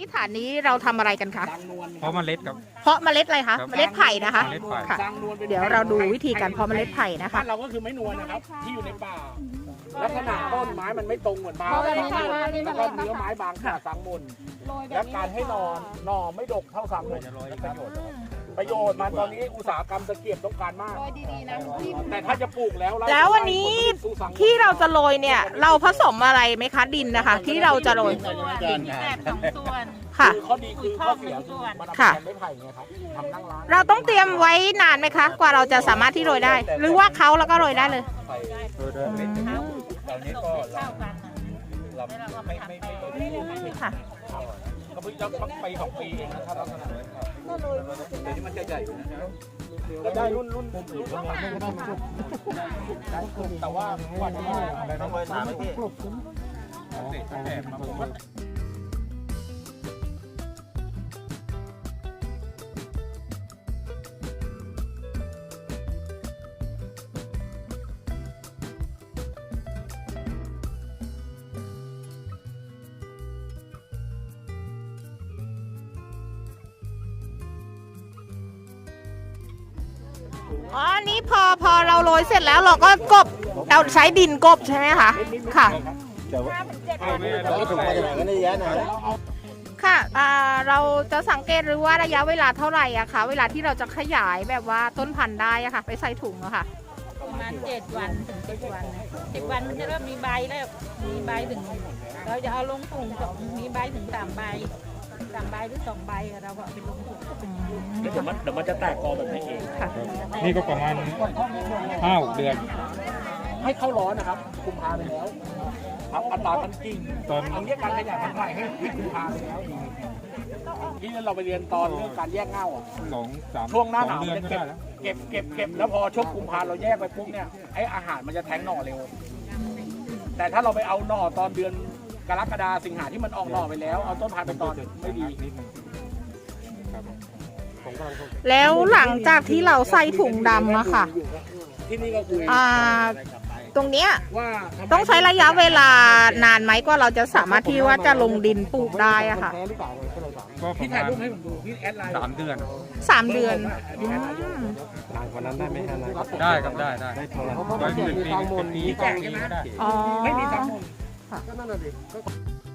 ฐานนี้เราทำอะไรกันคะเพราะเมล็ดครับเพาะเมล็ดอะไรคะ เมล็ดไผ่นะคะเมล็ดไผ่ค่ะ เดี๋ยวเราดูวิธีการเพาะเมล็ดไผ่นะคะบ้านเราก็คือไม้นวลนะครับที่อยู่ในป่าลักษณะต้นไม้มันไม่ตรงเหมือนไม้แล้วก็เนื้อไม้บางขนาดสังมุนและการให้หน่อไม่ดกเท่าสังมุนประโยชน์มันตอนนี้อุตสาหกรรมตะเกียบต้องการมากแต่ถ้าจะปลูกแล้วแล้ววันนี้ที่เราจะโรยเนี่ย เราผสมอะไรไหมคะดินนะคะ ที่เราจะโรยแบบ2 ส่วนค่ะคือข้อดีคือข้อเสียคือมันเอาไปค่ะทำไม้ไผ่ไงครับทำนั่งร้านเราต้องเตรียมไว้นานไหมคะ กว่าเราจะสามารถที่โรยได้ หรือว่าเขาแล้วก็โรยได้เลยตอนนี้ก็เข้ากันเราไม่ค่ะก็เพิ่งจะไป2 ปีเองนะครับลักษณะนั้นครับเดี๋ยวนี้มันจะใหญ่ก็ได้รุ่นแต่ว่าวันนี้ต้องไปถามพี่อ๋ออันนี้พอเราโรยเสร็จแล้วเราก็กบเราใช้ดินกบใช่ไหมคะ ค่ะเราก็ถึงมาจากไหนกันเยอะนะค่ะเราจะสังเกตหรือว่าระยะเวลาเท่าไหร่อะคะเวลาที่เราจะขยายแบบว่าต้นพันธุ์ได้อะค่ะ ไปใส่ถุงอะค่ะประมาณ7 วันถึง10 วันนะ10 วันมันจะเริ่มมีใบแล้วมีใบถึงเราจะเอาลงถุงมีใบถึง3 ใบ3 ใบหรือ2 ใบเราก็เอาไปลงถุงเดี๋ยวมันจะแตกกอแบบนี้เองค่ะนี่ก็ประมาณ5-6 เดือนให้เข้าร้อนนะครับคุมพาไปแล้วครับอัตราการกิ่งตอนเอาเรียกการขยายพันธุ์ไผ่ให้คุมพาไปแล้วที่เราไปเรียนตอนเรื่องการแยกเง่าอ่ะ 2-3 ช่วงหน้าหนาวเดือนเนี่ยก็ได้แล้วเก็บแล้วพอช่วงกุมภาเราแยกไปปุ๊บเนี่ยไออาหารมันจะแทงหน่อเร็ว แต่ถ้าเราไปเอาหน่อตอนเดือนกรกฎาสิงหาที่มันออกหน่อไปแล้วเอาต้นพันธุ์ไปตอนไม่ดีนิดนึงครับแล้วหลังจากที่เราใส่ถุงดำอะค่ะที่นี่ก็คุยตรงเนี้ยว่าต้องใช้ระยะเวลานานไหมกว่าเราจะสามารถที่ว่าจะลงดินปลูกได้อะค่ะก็ปพี่ระถ่ายมาณรูปให้ผมดูพี่แอดไลน์ 3 เดือน 3 เดือนอืมวันนั้นได้ไหมฮะนายได้ครับได้ได้เท่าไหร่ไว้เป็นปีก็ดีได้อ๋อไม่มีทั้งหมดค่ะ